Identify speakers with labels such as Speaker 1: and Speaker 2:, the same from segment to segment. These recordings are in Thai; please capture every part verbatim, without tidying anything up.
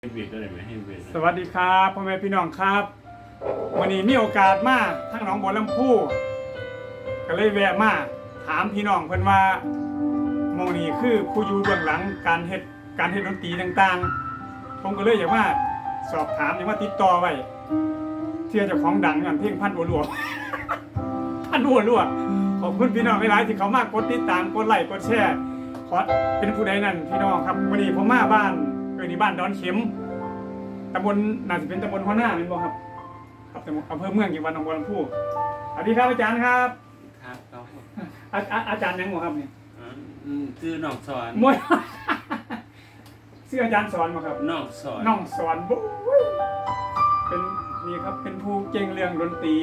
Speaker 1: ให้เบียดได้ไหมให้เบียด
Speaker 2: สวัสดีครับพ่อแม่พี่น้องครับวันนี้มีโอกาสมาทั้งหนองบัวลำพูก็เลยแวะมาถามพี่น้องเพิ่นว่าหมองนี้คือผู้อยู่เบื้องหลังการเฮ็ดการเฮ็ดดนตรีต่างๆผมก็เลยอยากมาสอบถามอยากมาติดต่อไว้เชื่อเจ้าของดังอย่างเพลงพันบัวหลวง พันบัวหลวงขอบคุณพี่น้องหลายๆที่เขามากดติดตามกดไลค์กดแชร์ขอเป็นผู้ใดนั่นพี่น้องครับวันนี้ผมมาบ้านเอ้ยนี่บ้านดอนเข็มตำบลน่าจะเป็นตำบลหัวหน้าเป็นบ่ครับครับอำเภอเมืองจังหวัดหนองบัวลำพูสวัสดีครับอาจารย์ครับ
Speaker 1: ครับเขา
Speaker 2: อาอาอาจารย์ยังบ่ครับเนี่ย
Speaker 1: อืมคือน้องสอน
Speaker 2: มวย ชื่ออาจารย์สอนบ่ครับ
Speaker 1: น้องสอน
Speaker 2: น้องสอนโอ้ยเป็นนี่ครับเป็นผู้เก่งเรื่องดนตรี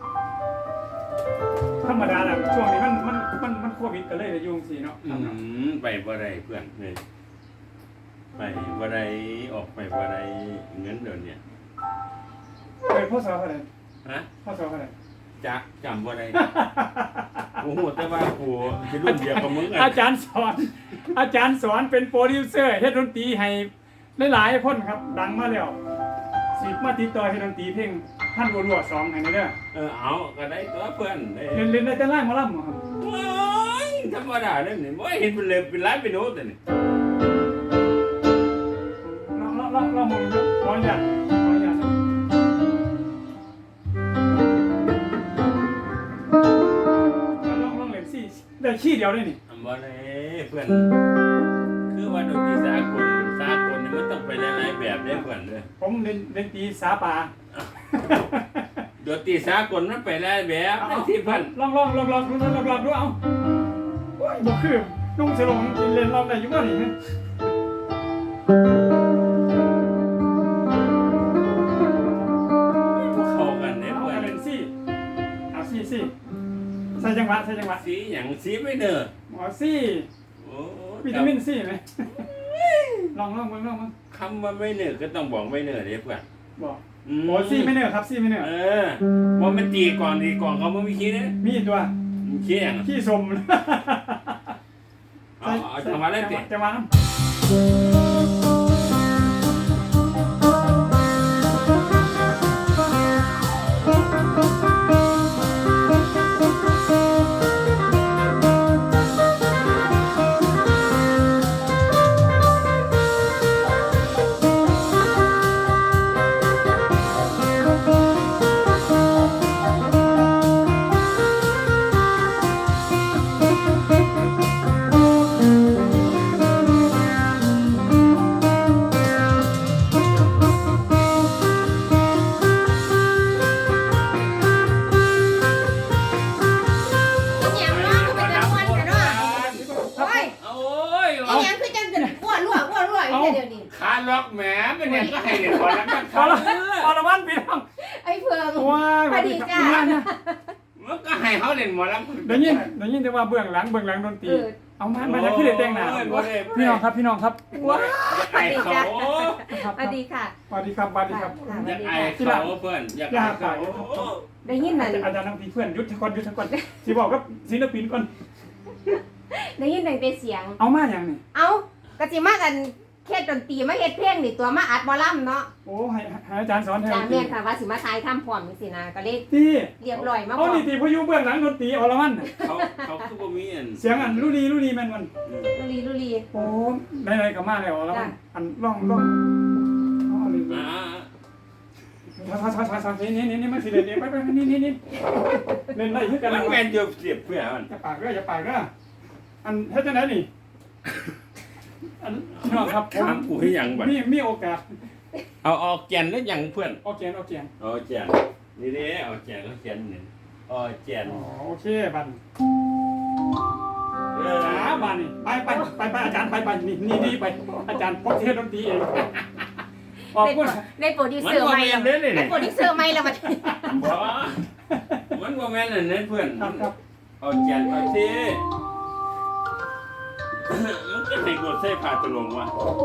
Speaker 2: ธรรมดาแหละช่วงนี้มันมันมันมันโควิดก็เลยได้ยุ่งสิเนาะ
Speaker 1: อืมไปบ่ได้เพื่อนเลยไปบ่ได้ออกไปบ่ได้เงินเดือนเนี่ย
Speaker 2: เปิดพ่อสอนเท่าไหร่
Speaker 1: ฮะ
Speaker 2: พ่อสอนเท่าไหร่
Speaker 1: จักจำบ่ได้โอ้โหแต่ว่ากูจะรุ่นเดียวกับมึงอ่ะ
Speaker 2: อาจารย์สอน อาจารย์สอนเป็นโปรดิวเซอร์เฮ็ดดนตรีให้หลายๆคนครับ ดังมาแล้วสิมาติดต่อเฮ็ดดนตรีเพลงท่านบัวหลวงสองให้เด้อ
Speaker 1: เออเอาก็ได้ตัวเพื่อนได้
Speaker 2: เล่นเล่นได้แต่ไล่หมอลำบ่ครับ
Speaker 1: โอ้ยธรรมดาเด้นี่บ่เห็นเป็นเลยเป็นร้านเป็นโน้ตแต่นี่
Speaker 2: ลองลองลองลองมองดูขออนุญาตขออนุญาตลองลองเล่นซี่ได้ขี้เดียวได้นี่
Speaker 1: ทำบ่ได้เพื่อนคือว่าดนตรีสากลสากลนี่มันต้องไปหลายๆแบบเด้เพื่อนเด้อ
Speaker 2: ผมเล่นเล่นตีสาป่า
Speaker 1: ดนตรีสากลมันไปหลายแบบที่เพื่อน
Speaker 2: ลองลองลองลองลองลองลองดูเอาโอ้ยบ่คือนุ่งสลงเล่นลองได้อยู่บ่นี่ฮะ
Speaker 1: เข้ากันเนี่ย
Speaker 2: เอา
Speaker 1: เพื่อน
Speaker 2: เล่นซี่เอาซี่ซี่ใส่จังหวะใส่จังหวะ
Speaker 1: สีอย่างสีไม่เนอะ
Speaker 2: หมอซี่
Speaker 1: โอ้
Speaker 2: วิตามินซี่ไหม ลองลองลองลองลอง
Speaker 1: คำว่าไม่เนอะก็ต้องบอกไม่เนอะเด้เพื่อน
Speaker 2: บอกหมอซี่ไม่เนอะครับซี่ไม่เนอะ
Speaker 1: เออว่ามันตีก่อนตีก่อนเขาไม่มีขี้เนี่ย
Speaker 2: มีตัว
Speaker 1: มันขี้อย่าง
Speaker 2: ขี้สม
Speaker 1: เอาเอาจังหวะเล่นติ
Speaker 2: จังหวะน้
Speaker 3: อีหยังเนาะมันเป็นตะมวนกันเนาะโอ้ย
Speaker 1: โอ้ย
Speaker 3: อีหยังคือจังจะอ้วนรั่วอ้วนรั่วอยู่เดี๋ยวนี้
Speaker 1: ขาล็อกแหมเป็นเนี่ยก็ให้เด็กก่อนแล้วกัน
Speaker 2: ำพอละพอละวันพี่น้อง
Speaker 3: ไอ้เฟือง
Speaker 2: ว้าย
Speaker 3: สวัสดีจ้า
Speaker 1: มันก็ให้เขาเล่นหมอลำ
Speaker 2: ได้ยินได้ยินแต่ว่าเบื้องหลังเบื้องหลังดนตรีเอามามาจากพี่เด็กแต่งหน้าพี่น้องครับพี่น้องครับ
Speaker 1: ว้าไอ้เขา
Speaker 2: ครับ
Speaker 3: สวัสดีค่ะ
Speaker 2: สวัสดีครับสวัสดีครับ
Speaker 1: อยากไอ้เขาเพื่อนอยากไอ้เขา
Speaker 3: ได้ยินนั่น
Speaker 2: อาจารย์น้ำพีเพื่อนยุทธก่อนยุทธก่อนสิบอกกับศิลปินก่อน
Speaker 3: ได้ยินตั้งแต่เสียง
Speaker 2: เอามาอย่างนี้
Speaker 3: เอ้ากะสิมากันเฮ็ดดนตรีมาเฮ็ดเพลงนี่ตัวมาอัดหมอลำเนาะ
Speaker 2: โอ้ให้ให้อาจารย์สอนแทน
Speaker 3: จาแม่นค่ะว่าสิมาทายทำพร้อมจังซี่นะก็เลย
Speaker 2: ที่
Speaker 3: เรียบร้อยมาพ
Speaker 2: เอา
Speaker 3: ร้อม
Speaker 2: นี่ตีพยุเบื้องหลังดนตรีอรมันน่ะ
Speaker 1: เขาเขาคือบ่มีอัน
Speaker 2: เสียงอันรู้ดีรู้ดีแม่นมัน
Speaker 3: ลุลีลุลี
Speaker 2: โอ้ได้ๆก็มาแล้วอรมันอันร้องร้องอ๋อนี่
Speaker 1: อ่า
Speaker 2: ถอยถอยถอยถอยนี่นี่นี่มันสิเล่นนี่ไปไปนี่นี่นี่เล่นได้คือกัน
Speaker 1: มัน
Speaker 2: นะ
Speaker 1: แม่นอยู่เสียบเพื่อนมัน
Speaker 2: อย่าปากเด้ออย่าปากเด้ออันเฮ็ดจังได๋นี่อันพี่น้องครับผม
Speaker 1: ถามกูให้ยังบัด
Speaker 2: มีมีโอกาส
Speaker 1: เอาออกแกนแล้วยังเพื่อน
Speaker 2: เอาแกนเอาแกน
Speaker 1: เอาแกนนี่เด้เอาแกนเอาแกนนี่เอาแกน
Speaker 2: อ๋อโอเคบัด
Speaker 1: เออ
Speaker 2: หาบัดนี่ไปไปไปไปอาจารย์ไปไปนี่นี่นี่ไปอาจารย์พบเทศดนตรีเองขอบ
Speaker 3: ได้
Speaker 2: คุณ
Speaker 3: ได้โปรดิว
Speaker 1: มัน
Speaker 3: เซอร์
Speaker 1: บ่
Speaker 3: ใหม่
Speaker 1: แม่
Speaker 3: แล้ว
Speaker 1: นเด้นี่
Speaker 3: ได้โปรดิวเซอร์ใหม่แล้วบัด
Speaker 1: บ่มันบ่แม่นอันนั้นเพื่อน
Speaker 2: ครับครับ
Speaker 1: เอาแกนเอาสิมันก็ให้กดใส่ผ้าตะลงว่ะ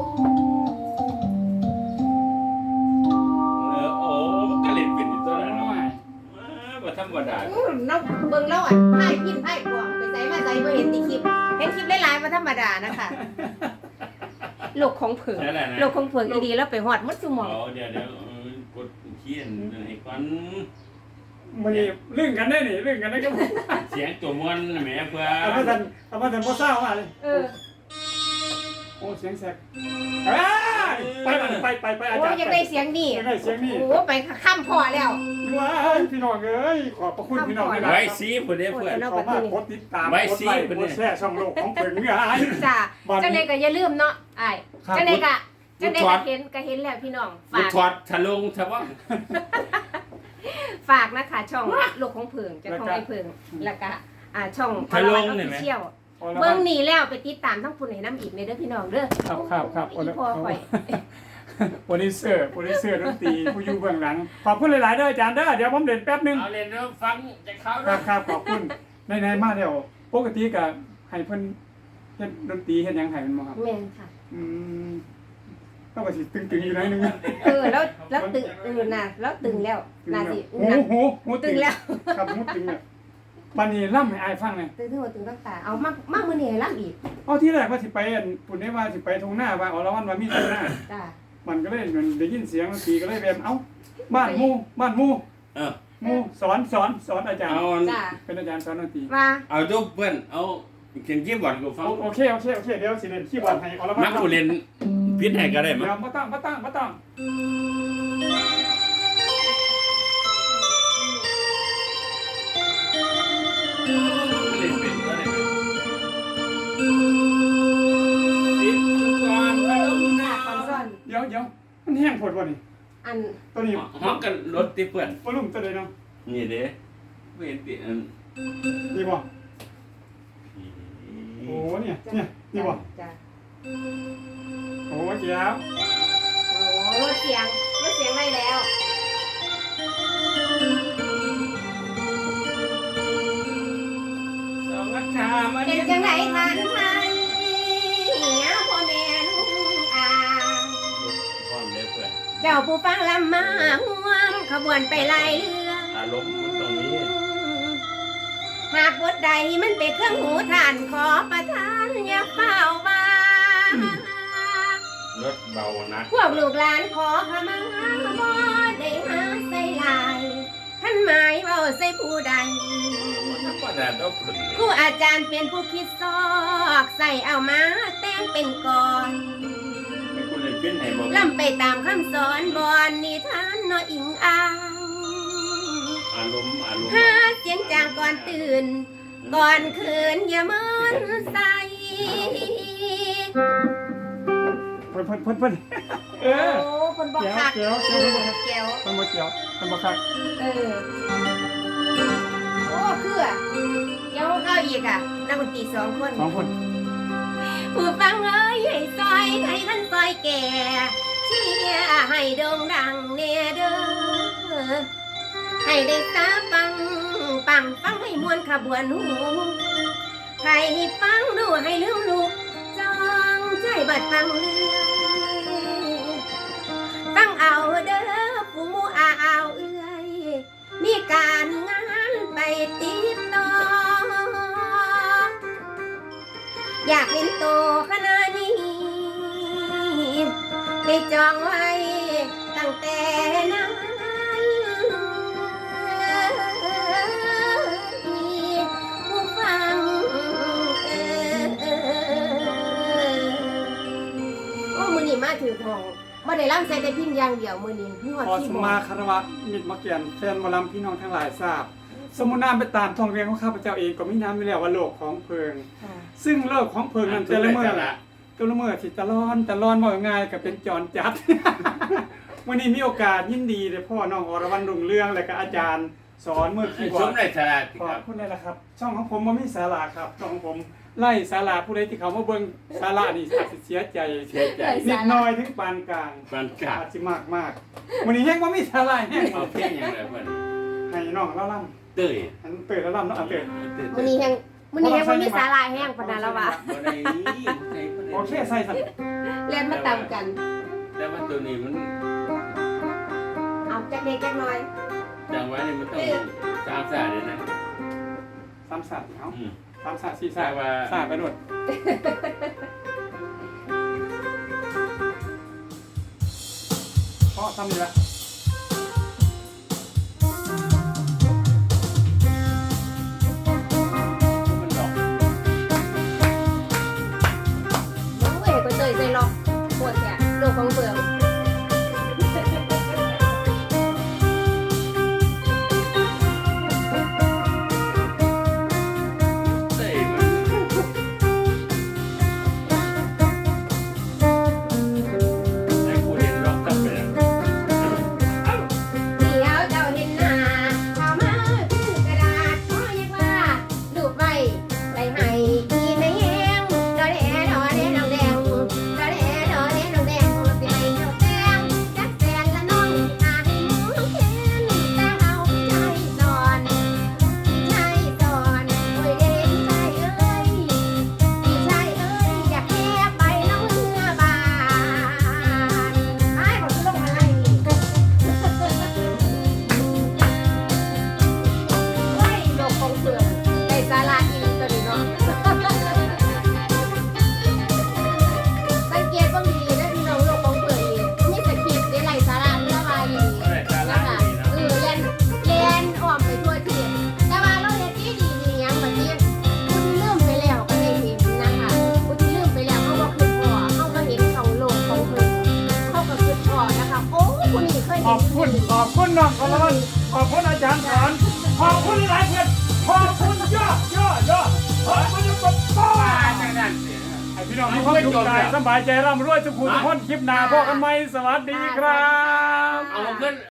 Speaker 1: เออโอ้มันก็เล่นเป็นอยู่ตัวนั้นเนาะบ่ธรรมดา
Speaker 3: อื้อน้องเบิ่งแล้วอ่ะไพ่พิมพ์ไพ่กวางไปใส่มาใส่บ่เห็นในคลิปเห็นคลิปหลายๆบ่ธรรมดานะคะโลกของเผิง
Speaker 1: นั่นแหละนะ
Speaker 3: โลกของเผิงอีดีแล้วไปฮอดหมดซุหมอง
Speaker 1: เอาเดี๋ยวเดี๋ยวเออกดเขียนไอ้ก่อน
Speaker 2: มื้อนี้เรื่องกันได้นี่เรื่องกันได้ก็
Speaker 1: เสียงตัวมวนแหมเพื่อ
Speaker 2: เอามาทันเอามาทันบ่เศร้ามาเลย
Speaker 3: เออ
Speaker 2: โอ้เสียงแซกเอ้ยไปไปไปไปไปอา
Speaker 3: โอ้
Speaker 2: จารย์
Speaker 3: อยากได้เสียงนี่
Speaker 2: อยากได้เสียงนี่
Speaker 3: โอ้ไปข้ามพ่อแล้ว
Speaker 2: ว้ายพี่น้องเอ้ยขอบพระคุณพี่น้องหลายๆ
Speaker 1: ไว้
Speaker 2: ครับ
Speaker 1: ซีผู้เด้เพื่อน
Speaker 2: ขอมากกดติดตาม
Speaker 1: ไว้
Speaker 2: กด
Speaker 1: สิ
Speaker 2: ไลค์
Speaker 1: เพิ่น
Speaker 2: ก
Speaker 1: เนี่
Speaker 2: ด
Speaker 1: ย
Speaker 2: แชร์ช่องโลกของเพิ่นเงาย
Speaker 3: จ้า
Speaker 2: บ้านนี้
Speaker 3: จังไดก็อย่าลืมเนาะอ้าย
Speaker 2: ครับ
Speaker 3: จังไดก็จังไดก็เห็นก็เห็นแล้วพี่น้อง
Speaker 1: บุ
Speaker 3: ฝาก
Speaker 1: ถอดทะลงทะว่าง
Speaker 3: ฝากนะคะช่องโลกของเผิงเจะของไอ้เผิงแล้วก็อ่าช่อง
Speaker 1: ทะลง
Speaker 3: อ
Speaker 1: เห็นไหม
Speaker 3: เชียล
Speaker 2: เอาละ
Speaker 3: เบิ่งนี่แล้วไปติดตามทั้งปุ่นให้น้ำอีกในเด้อพี่น้องเด้อ
Speaker 2: ครับครับครับ
Speaker 3: อีพ่อข่อย
Speaker 2: โปรดิวเซอร์โปรดิวเซอร์ดนตรีผู้อยู่เบื้องหลังขอบคุณหลายๆเด้ออาจารย์เด้อเดี๋ยวผมเด่นแป๊บหนึง
Speaker 1: เอาเรียนแล้วฟังจากเขา
Speaker 2: ครับครับขอบคุณในๆมาเดี๋ยวปกติก็ให้เพิ่นเฮ็ดดนตรีเฮ็ดหยังให้มันบ่ครับ
Speaker 3: แม่นค่ะ
Speaker 2: อืมต้องก็สิตึงๆอยู่หน่อยหนึง
Speaker 3: เออแล้วแล้วตึงเออน่ะแล้วตึงแล้วน่าสิ
Speaker 2: หู
Speaker 3: น่ะ
Speaker 2: หูหู
Speaker 3: ตึงแล้ว
Speaker 2: ครับหูตึงเนี่ยบัดนี้ล่ำให้อายฟังหน่อย
Speaker 3: ตึงทั้งหมดตึงตั้งตาเอามากมากมื้อนี้ให้ล้ำอีก
Speaker 2: เอาที่แรกว่าสิไปอันปุ่นได้ว่าสิไปทุ่งหน้าว่าอ๋อละวันว่ามีทุ่งหน้า
Speaker 3: จ้า
Speaker 2: มันก็เลยมันได้ยินเสียงดนตรีก็เลยแบบเอ้าบ้านหมู่บ้านหมู่
Speaker 1: เออ
Speaker 2: หมู่สอนสอนสอนอาจารย์
Speaker 1: เอา
Speaker 3: จ้า
Speaker 2: เป็นอาจารย์สอนดนตรี
Speaker 3: มา
Speaker 1: เอาทุกเพื่อนเอาเขียนคีย์บอร์ดกูฟัง
Speaker 2: โอเคโอเคโอเคเดี๋ยวสิเล่นคีย์บอร์ดให้เอาละวั
Speaker 1: มักกูเรียนพิษให้ก็ได้มั้
Speaker 2: เดี๋
Speaker 1: ง
Speaker 2: ยวบ่ต้องบ่ต้องบ่ต้อง
Speaker 1: เรียนเป็นก็ได้สิบก่อนทะลงหน้า
Speaker 3: คอนซ่อน
Speaker 2: เดี๋ยวเดี๋ยวมันแห้งโพดบ่นี่
Speaker 3: อัน
Speaker 2: ตัวนี้
Speaker 1: ห้องกันรถที่เพื่อน
Speaker 2: วอลุ่มตัวใดเนาะ
Speaker 1: นี่เด้เว้นติอัน
Speaker 2: นี่บ่โอ้เนี่ยเนี่ยนี่บ่
Speaker 3: จ้า
Speaker 2: โอ้เจ้า
Speaker 3: โอ้ลดเสียงลดเสียงได้แล้ว
Speaker 1: สองอัฐามา
Speaker 3: เป็นจังไดทานไทยเหียพ่อแม่ลุงอา
Speaker 1: พร้อมเลยเพื่อน
Speaker 3: เจ้าผู้ฟังลำมาห่วงขบวนไปไล่เรือ
Speaker 1: อารมณ์มันตรงนี้
Speaker 3: หากบทใดมันเป็นเครื่องหูทานขอประทานอย่าเฝ้าบ้าร
Speaker 1: ถเบานัก
Speaker 3: พวกลูกหลานขอขมาบ่ได้หาใส่ลายท่านหมายเว่าใส่ผู้ใด
Speaker 1: ธรรมดาต้องฝึก
Speaker 3: ครูอาจารย์เป็นผู้คิดซอกใส่เอามาแต่งเป็นกอน
Speaker 1: ให้คุณเรียนเป็นให้บอก
Speaker 3: ล่ำไปตามคำสอนบอนนิทานน้อยอิงอ่าง
Speaker 1: อารมณ์อารมณ์
Speaker 3: หาเสียงจางก่อนตื่น ก่อนคืนอย่ามันใส่
Speaker 2: เพิ่นเพิ่นเพิ่นเพิ่นเอ
Speaker 3: โอ้
Speaker 2: อ
Speaker 3: คนบอกคัก
Speaker 2: เจียวเจียวเจียว
Speaker 3: เจียว
Speaker 2: เพิ่นบ่เกี่ยวเพิ่นบ่คัก
Speaker 3: เออโอ้คืออะเดี๋ยวเข้าอีกอ่ะนักดนตรีสองคน
Speaker 2: สองคน
Speaker 3: ผู้ฟังเอ้ยให้ซอยให้ท่านซอยแก่เชียร์ให้โด่งดังเนเด้อให้ได้ตาปังปังฟังให้มวนขบวนหูใครให้ฟังดูให้ลืมลูกจองใจบัดฟังเรื่องฟังเอาเด้อผู้หมูอาเอาเอื้อยมีการงานไปติดต่อ อยากเห็นโตขนาดนี้ไปจองไว้ตั้งแต่นั้นผู้ฟังเออโอ้มือนี้มาถือของบ่ได้ร่ำใส่แต่พิมพ์อย่างเดียวมือนี้มีหอด
Speaker 2: ขอ
Speaker 3: ที่
Speaker 2: ส
Speaker 3: บอ
Speaker 2: มาก คารวะมิตรมาเกียนแฟนหมอลำพี่น้องทั้งหลายทราบ สมุนน้ำไปตามท้องเรียนของข้าพเจ้าเองก็มีน้ำอยู่แล้วว่าโลกของเพิง
Speaker 3: ค่ะ
Speaker 2: ซึ่งโลกของเพิงนั้นแต่ละเมื่อแต่ละเมื่อที่ตะลอนตะลอนบ่ง่ายก็เป็นจรจัด วันนี้มีโอกาสยินดีเลยพ่อน้องอรวรรณรุ่งเรืองและก็อาจารย์สอนเมื่อกี้
Speaker 1: ส
Speaker 2: ว่าม
Speaker 1: ในสาระ
Speaker 2: ขอบคุณเลยละครับ ช่องของผมมันมีสาระครับช่องของผมไล่สาระผู้ใดที่เขามาเบิ่งสาระนี่อาจจะเสียใจ
Speaker 1: เสียใจ
Speaker 2: นิดหน้อยถึงปานกลาง
Speaker 1: ปานกลาง
Speaker 2: อาจจะมากมากวันนี้แห้งว่ามีสาระแห้ง
Speaker 1: เอาเพลงอย่างไรเพื่อน
Speaker 2: ให้น้องเล่าล่
Speaker 1: เต้ย
Speaker 2: ำอันเปิดแล้วล่ำเนาะอันเปิด
Speaker 3: มือนี้แห้งมือนี้แห้งบ่มีสาลายแห้งปานนั้นแล้วว่ะ
Speaker 1: บ่ได้บ่ได้
Speaker 2: โอเคใส่สัน
Speaker 3: เล่นมาตามกัน
Speaker 1: แต่ว่าตัวนี้มัน
Speaker 3: เอาจักเด็กจักน้อย
Speaker 1: จังไว้นี่มันต้องสามสาเลยนะ
Speaker 2: สามสัตว์เอา
Speaker 1: อืม
Speaker 2: สามสัตว์สี่สัตว์
Speaker 1: แต่ว่า
Speaker 2: สามไปด้วยาะซ้ำนี่ละ
Speaker 1: มันดอก
Speaker 3: น้องเอ๋ก็เจยใจหรอกปวดแกโลกของเบือง
Speaker 1: เต้มันให้กูเห็นรอกตับไปแล้ว
Speaker 3: เดี๋ยวเจ้าเห็นหน้าเข้ามาคือกระดาษขอเรียกว่าดูใบใบให้อีแม่แห้งดอแดดอแดดองแดงดอแดดอแดดองแดงสิให้เจ้าแจ้งจักแสนละน้องอาให้หมูแค้นแต่เฮาใจสอนใจสอนโอ้ยเด้พี่ชายเอ้ยพี่ชายเอ้ยอยากแค่ไปน้องเมื่อบานไอ้บอกจะลงอะไรนี่ เฮ้ยโลกของเปลือกในสาราอีตัวนี้เนาะ สังเกตบ้างดีนะพี่น้องโลกของเปลือกนี่มีสคริปต์ในไหลสาราเมื่อวานนี้
Speaker 1: ได้ตาลา
Speaker 3: นะคะ
Speaker 1: ดีนะ
Speaker 3: เออเล่นเล่นอ้อมไปทั่วที่แต่ว่าเราเล่นดีดีดียังแบบนี้คุณลืมไปแล้วก็ได้เห็นนะคะคุณลืมไปแล้วเขาบอกคือพ่อเขามาเห็นของโลกของเปลือกเขาก็คือพ่อนะคะโอ้คุณนี่เคย
Speaker 2: ขอบคุณขอบคุณน้องกอลขอบคุณอาจารย์สอนขอบคุณหลายเพื่อนขอบคุณยอดยอดยอดขอบคุณทุกคนป้า
Speaker 1: จังนั้นเสีย
Speaker 2: ให้พี่น้องมีความสุขใจสบายใจร่ำรวยสุขุมทุกคนคลิปหน้าพบกันใหม่สวัสดีครับ
Speaker 1: เอาขึ้น